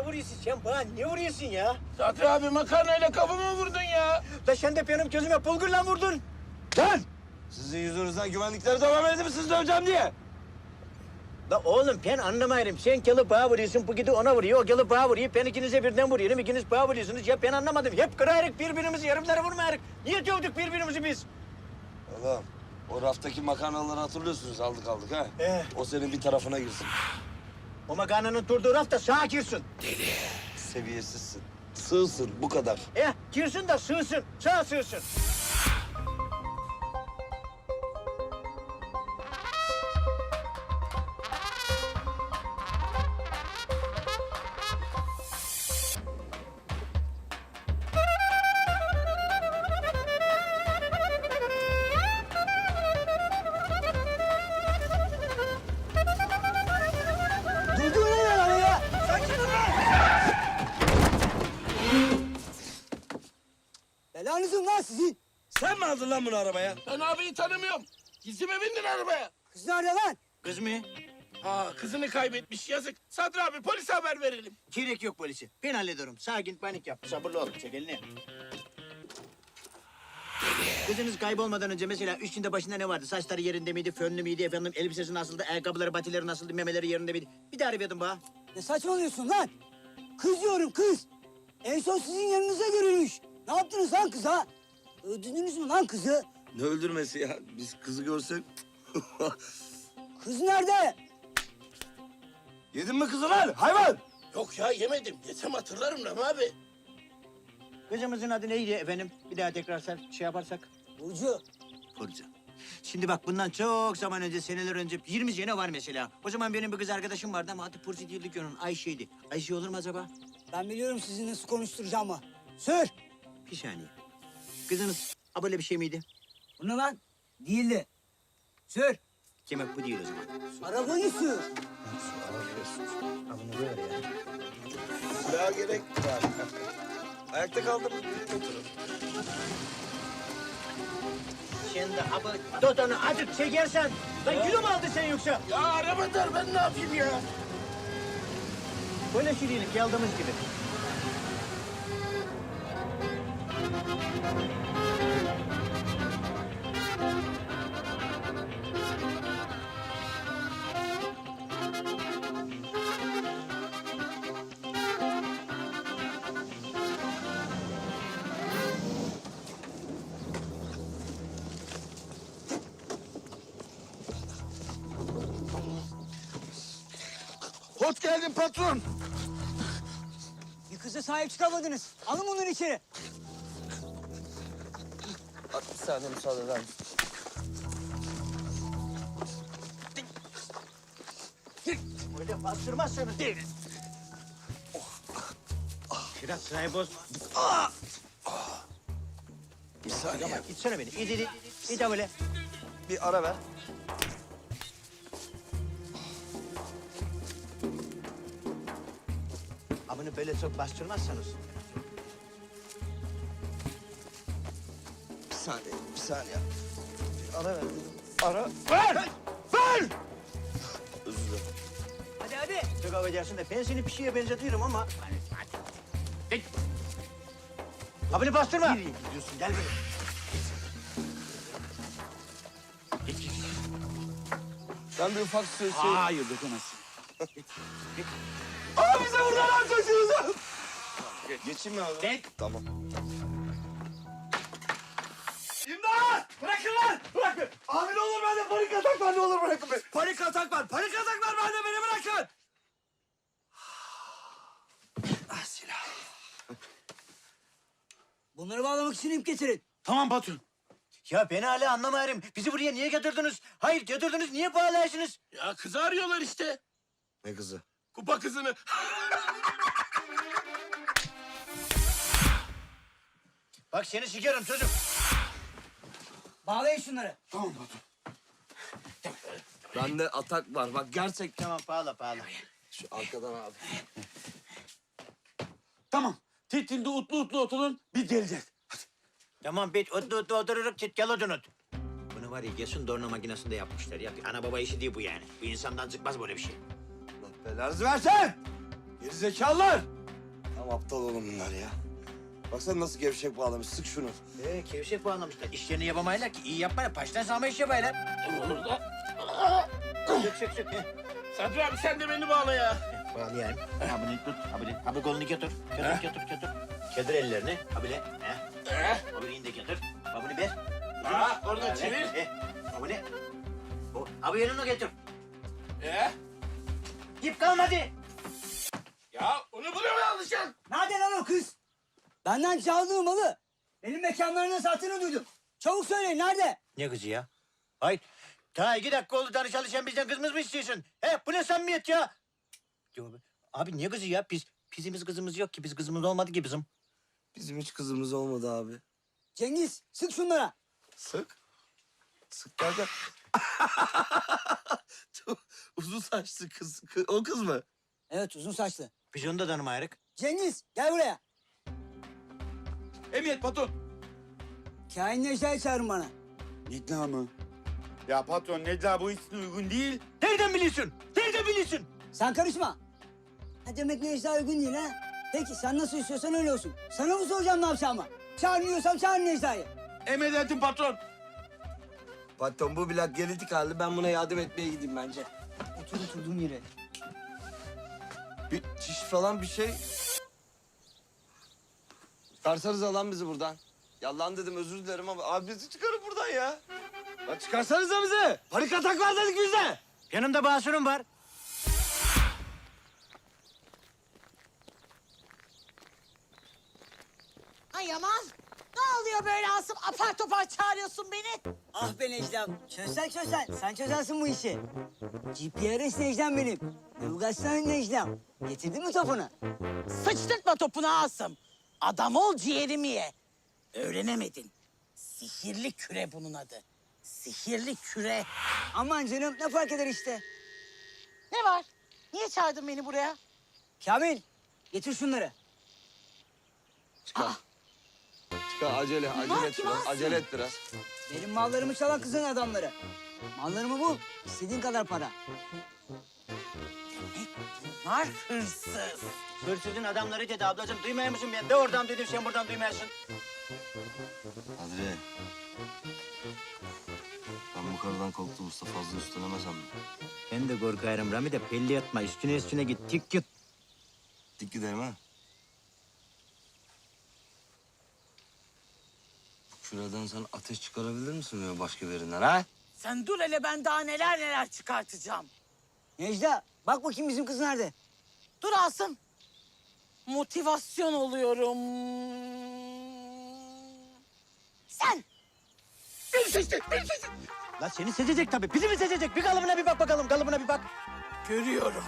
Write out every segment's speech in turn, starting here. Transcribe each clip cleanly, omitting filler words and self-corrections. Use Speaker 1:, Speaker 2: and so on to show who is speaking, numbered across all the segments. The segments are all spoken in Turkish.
Speaker 1: vuruyorsun sen bana? Ne vuruyorsun ya?
Speaker 2: Sadri abi makarnayla kafamı vurdun ya.
Speaker 1: Da sen de benim gözüme bulgurla vurdun.
Speaker 3: Lan! Sizin yüzünüzden güvenlikleri devam edip sizi döveceğim diye.
Speaker 1: La oğlum ben anlamayırım. Sen gelip bana vuruyorsun, bu gidi ona vuruyor. O gelip bana vuruyor, ben ikinize birden vuruyorum. İkiniz bana vuruyorsunuz. Ya ben anlamadım. Hep kırarık birbirimizi, yarımlara vurmayarık. Niye dövdük birbirimizi biz?
Speaker 3: Oğlum o raftaki makarnaları hatırlıyorsunuz aldık ha? O senin bir tarafına girsin.
Speaker 1: O makarnanın durduğu rafta sağa girsin.
Speaker 3: Seviyesizsin. Sığsın bu kadar.
Speaker 1: Girsin de sığsın, sağa sığsın.
Speaker 4: Durdur ne lan ya? Sakin ol lan! Belanızın lan sizin.
Speaker 3: Sen mi aldın lan bunu arabaya?
Speaker 2: Ben abiyi tanımıyorum. Gizlime bindin arabaya.
Speaker 4: Kız nerede lan?
Speaker 1: Kız mı?
Speaker 2: Ha kızını kaybetmiş yazık. Sadri abi polise haber verelim.
Speaker 1: Gerek yok polisi. Ben hallederim. Sakin, panik yap. Sabırlı ol. Çek elini. Kızınız kaybolmadan önce mesela üstünde başında ne vardı? Saçları yerinde miydi, fönlü müydü efendim? Elbisesi nasıldı, ayakkabıları, patileri nasıldı, memeleri yerinde miydi? Bir daha arayordum bana.
Speaker 4: Ne saçmalıyorsun lan? Kız diyorum kız. En son sizin yanınıza görülmüş. Ne yaptınız lan kıza? Öldürdünüz mü lan kızı?
Speaker 3: Ne öldürmesi ya? Biz kızı görsek...
Speaker 4: Kız nerede?
Speaker 3: Yedin mi kızı lan hayvan?
Speaker 2: Yok ya yemedim. Yesem hatırlarım Rami abi.
Speaker 1: Kızımızın adı neydi efendim? Bir daha tekrar şey yaparsak.
Speaker 4: Burcu.
Speaker 1: Burcu. Şimdi bak bundan çok zaman önce, seneler önce 20 sene var mesela. O zaman benim bir kız arkadaşım vardı ama adı Burcu değildi ki onun. Ayşe'ydi. Ayşe olur mu acaba?
Speaker 4: Ben biliyorum sizi nasıl konuşturacağımı. Sür.
Speaker 1: Bir saniye. Kızınız böyle bir şey miydi?
Speaker 4: Bu ne lan? Değildi. Sür.
Speaker 1: Demek bu değil o zaman.
Speaker 4: Arabayı sür.
Speaker 1: Ha bunu böyle ya.
Speaker 3: Silaha gerek var. Ayakta kaldınız birlikte oturun.
Speaker 1: Şimdi abi Dodon'u azıcık çekersen. Lan kilo mu aldı sen yoksa?
Speaker 2: Ya araba dar ben ne yapayım ya?
Speaker 1: Böyle şirinlik yaldığımız gibi.
Speaker 3: Hoş geldin patron.
Speaker 4: Bir kıza sahip çıkamadınız. Alın bunları içeri.
Speaker 3: Bir saniye müsaade eder misin?
Speaker 1: Böyle bastırmazsanız değil. Biraz sırayı boz.
Speaker 3: Bir saniye.
Speaker 1: Ama itsene beni. İt. İt de böyle.
Speaker 3: Bir ara ver.
Speaker 1: Ha bunu böyle çok bastırmazsanız.
Speaker 3: Bir saniye. Bir ara ver. Ara. Ver! Ver! Özür dilerim.
Speaker 1: Hadi. Çok affedersin de ben seni bir şeye benzetiyorum ama. Hadi. Git. Ha bunu bastırma. Nereye gidiyorsun? Gel buraya. Git.
Speaker 3: Ben bir ufak söz
Speaker 1: Hayır dokunamazsın.
Speaker 3: Abi bize buradan lan çocuğunuzu. Geçeyim mi abi?
Speaker 1: Git.
Speaker 3: Tamam.
Speaker 5: İmdat! Bırakın lan! Bırakın! Abi ne olur bende panik atak var, ne olur bırakın beni. Panik atak var bende, beni bırakın! Ah silah.
Speaker 4: Bunları bağlamak için ip getirin.
Speaker 5: Tamam patron.
Speaker 1: Ya ben hala anlamıyorum. Bizi buraya niye getirdiniz? Hayır getirdiniz, niye bağlarsınız?
Speaker 2: Ya kızı arıyorlar işte.
Speaker 3: Ne kızı?
Speaker 2: Kupa kızını.
Speaker 1: Bak seni sikerim çocuk.
Speaker 4: Bağlayın şunları.
Speaker 5: Tamam patron.
Speaker 3: Bende atak var. Bak gerçekten.
Speaker 1: Tamam bağla.
Speaker 3: Şu arkadan abi.
Speaker 5: Tamam. Titilde utlu oturun, biz geleceğiz.
Speaker 1: Tamam bit otlu otururuk git gel odunut. Bunu var ya kesin dorna makinesinde yapmışlar ya. Bir ana baba işi değil bu yani. Bu insandan çıkmaz böyle bir şey.
Speaker 3: Allah belanızı versin.
Speaker 5: Gerizekalılar! Tam aptal oğlum bunlar ya. Baksana nasıl gevşek bağlamış. Sık şunu.
Speaker 1: Kevşek bağlamışlar. İşlerini yapamaylar ki. İyi yapmayla. Baştan sağma iş yapaylar. Sök.
Speaker 2: Sadri abi sen de beni bağla ya.
Speaker 1: Bağlayayım. Ha bunu tut. Ha bu kolunu götür. Götür. Kedir ellerini. Ha bile. Ha bunu de götür. Ha bunu ver.
Speaker 2: Oradan çevir.
Speaker 1: Ha bunu. Ha bu yanına getir. İp kalmadı.
Speaker 2: Ya onu buraya mı alacaksın?
Speaker 4: Nerede lan o kız? Benden çaldığı malı benim mekanlarına sattığını duydum. Çabuk söyleyin nerede?
Speaker 1: Ne kızı ya? Hayır. Ta 2 dakika oldu tanı çalışan bizden kızımız mı istiyorsun? Bu ne samimiyet ya? Abi ne kızı ya? Bizimiz kızımız yok ki. Biz kızımız olmadı ki bizim.
Speaker 5: Bizim hiç kızımız olmadı abi.
Speaker 4: Cengiz sık şunlara.
Speaker 5: Sık. Sık derken... Uzun saçlı kız. O kız mı?
Speaker 4: Evet uzun saçlı.
Speaker 1: Biz onu da tanımayırık.
Speaker 4: Cengiz gel buraya.
Speaker 5: Emniyet patron.
Speaker 4: Kain Necla'yı çağırın bana.
Speaker 5: Necla mı? Ya patron Necla bu için uygun değil.
Speaker 1: Nereden biliyorsun? Nereden biliyorsun?
Speaker 4: Sen karışma. Ha demek Necla uygun değil ha? Peki sen nasıl istiyorsan öyle olsun. Sana mı soracağım ne yapacağımı? Çağırmıyorsam çağır Necla'yı.
Speaker 5: Emredersin patron. Patron bu bilat genetik hali. Ben buna yardım etmeye gideyim bence.
Speaker 4: Oturduğum yere.
Speaker 5: Bir çiş falan bir şey. Çıkarsanız alan bizi buradan. Yalan dedim özür dilerim ama abi bizi çıkarın buradan ya. Lan çıkarsanıza bizi. Panik atak var dedik bizde.
Speaker 1: Yanımda basurum var.
Speaker 6: Ay Yaman, ne oluyor böyle Asım? Apar topar çağırıyorsun beni.
Speaker 4: Ah be Necla'm. Çözsen. Sen çözersin bu işi. GPRS Necla'm benim. Navigasyon Necla'm. Getirdin mi topunu?
Speaker 6: Sıçtırtma topunu Asım. Adam ol ciğerimi ye. Öğrenemedin. Sihirli küre bunun adı. Sihirli küre.
Speaker 4: Aman canım ne fark eder işte.
Speaker 6: Ne var? Niye çağırdın beni buraya?
Speaker 4: Kamil getir şunları.
Speaker 5: Çıkar. Çıkar acele et
Speaker 6: kim
Speaker 5: biraz.
Speaker 6: alsın?
Speaker 5: Acele et biraz.
Speaker 4: Benim mallarımı çalan kızın adamları. Mallarımı bul. İstediğin kadar para.
Speaker 6: Bunlar hırsız.
Speaker 1: Hırsızın adamları dedi ablacığım. Duymaya mısın ben? De oradan duydum sen buradan duymayasın.
Speaker 5: Adile. Ben bu karıdan korktum usta fazla üstlenemezsem mi?
Speaker 1: Ben de korkarım Rami de pelli atma. Üstüne git. Tik git.
Speaker 5: Dik gidelim ha. Şuradan sen ateş çıkarabilir misin böyle başka birinden ha?
Speaker 6: Sen dur hele ben daha neler çıkartacağım.
Speaker 4: Necla bak bakayım bizim kız nerede?
Speaker 6: Dur Asım. Motivasyon oluyorum. Sen.
Speaker 1: La seni seçecek tabii. Bizi mi seçecek? Bir kalıbına bir bak bakalım. Kalıbına bir bak.
Speaker 6: Görüyorum.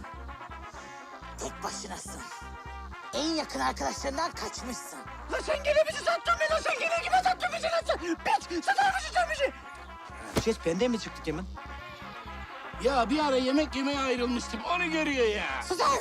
Speaker 6: Tek başınasın. En yakın arkadaşlarından kaçmışsın.
Speaker 1: La sen gene bizi sattın be. La sen gene kime sattın bizi lan sen? Piç! Satar mısın sen bizi? Ses benden mi çıktı Kemal?
Speaker 2: Ya bir ara yemek yemeye ayrılmıştım. Onu görüyor ya.
Speaker 6: Susan!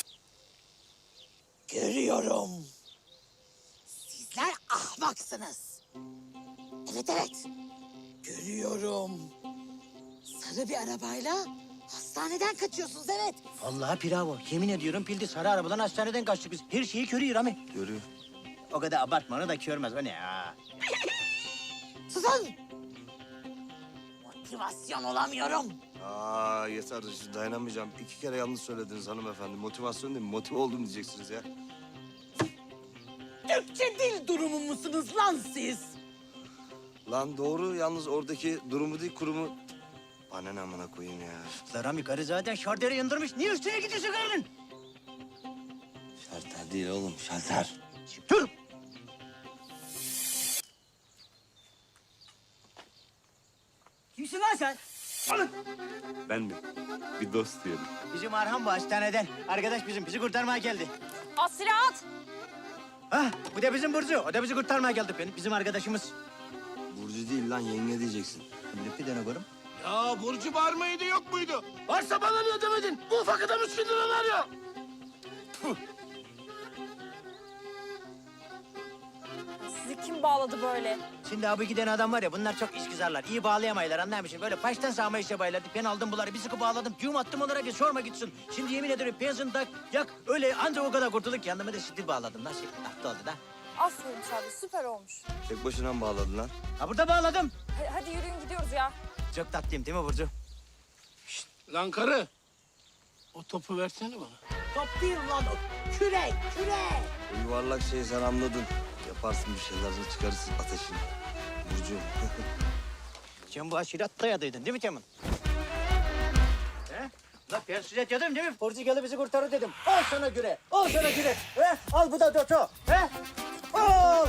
Speaker 6: Görüyorum. Sizler ahmaksınız. Evet. Görüyorum. Sarı bir arabayla hastaneden kaçıyorsunuz evet.
Speaker 1: Vallahi bravo. Yemin ediyorum pildi sarı arabadan hastaneden kaçtık biz. Her şeyi körüyor Rami.
Speaker 5: Görüyor.
Speaker 1: O kadar abartma onu da körmez. O ne ya?
Speaker 6: Susan! Motivasyon olamıyorum.
Speaker 5: Aa yeter dayanamayacağım. 2 kere yanlış söylediniz hanımefendi. Motivasyon değil mi? Motive oldum diyeceksiniz ya.
Speaker 6: Türkçe dil durumu musunuz lan siz?
Speaker 5: Lan doğru yalnız oradaki durumu değil kurumu... Bana ne amına koyayım ya.
Speaker 1: La Rami karı zaten şarderi yandırmış. Niye üstüne gidiyorsun karının?
Speaker 5: Şalter değil oğlum şalter.
Speaker 1: Dur!
Speaker 4: Kimsin lan sen?
Speaker 7: Ben de. Bir dost diyelim.
Speaker 1: Bizim Arhan bu hastaneden. Arkadaş bizi kurtarmaya geldi.
Speaker 8: At silah at.
Speaker 1: Ha, bu da bizim Burcu. O da bizi kurtarmaya geldi. Bizim arkadaşımız.
Speaker 5: Burcu değil lan yenge diyeceksin.
Speaker 1: Bir tane görüm.
Speaker 2: Ya Burcu var mıydı yok muydu? Varsa bana niye demedin? Bu ufak adam 3 bin lira veriyor.
Speaker 8: Sizi kim bağladı böyle?
Speaker 1: Şimdi abi giden adam var ya bunlar çok işgüzarlar. İyi bağlayamaylar anlar mısın? Böyle baştan sağma işe baylardı. Ben aldım bunları bir sıkı bağladım. Düğüm attım onlara ki sorma gitsin. Şimdi yemin ederim benzin tak yak öyle anca o kadar kurtulduk ki yanıma da şiddet bağladım. Nasıl yaptı oldu da?
Speaker 8: Aferin Şadi, süper olmuş.
Speaker 5: Tek başına mı bağladın lan?
Speaker 1: Ha burada bağladım.
Speaker 8: Hadi yürüyün gidiyoruz ya.
Speaker 1: Çok tatlıyım değil mi Burcu?
Speaker 2: Lan karı. O topu versene bana.
Speaker 6: Top değil lan o. Kürek, kürek.
Speaker 5: O yuvarlak şeyi sen anladın. Yaparsın bir şeyler, çıkarırsın ateşini. Burcu.
Speaker 1: Sen bu aşiret dayadıydın değil mi Kemal? He? La ben size dedim değil mi? Portikalı bizi kurtarır dedim. Al sana güre, al sana güre. He? Al bu da doto. He? Al!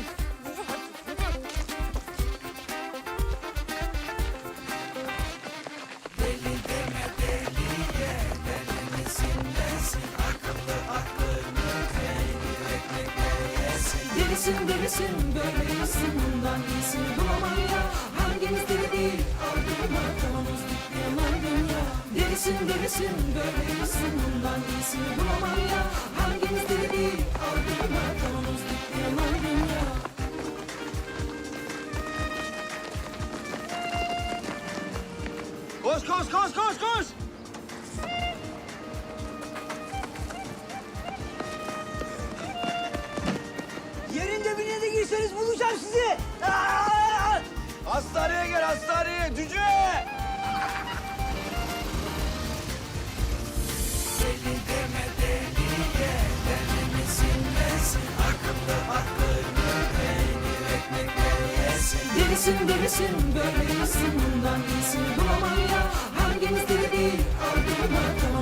Speaker 9: Delisin delisin böyle yasin bundan iyisini bulamam ya. Hangimiz deli değil aldırma kavanoz dikleyen dünya. Delisin delisin böyle yasin bundan iyisini bulamam ya. Hangimiz deli değil aldırma kavanoz dikleyen dünya.
Speaker 5: Koş koş koş koş koş!
Speaker 4: Yerin dibine de girseniz bulacağım sizi. Aa!
Speaker 5: Hastaneye gel hastaneye cüce!
Speaker 9: Delisin delisin böyle yasin bundan iyisini bulamam ya. Hangimiz deli değil aldırma kavanoz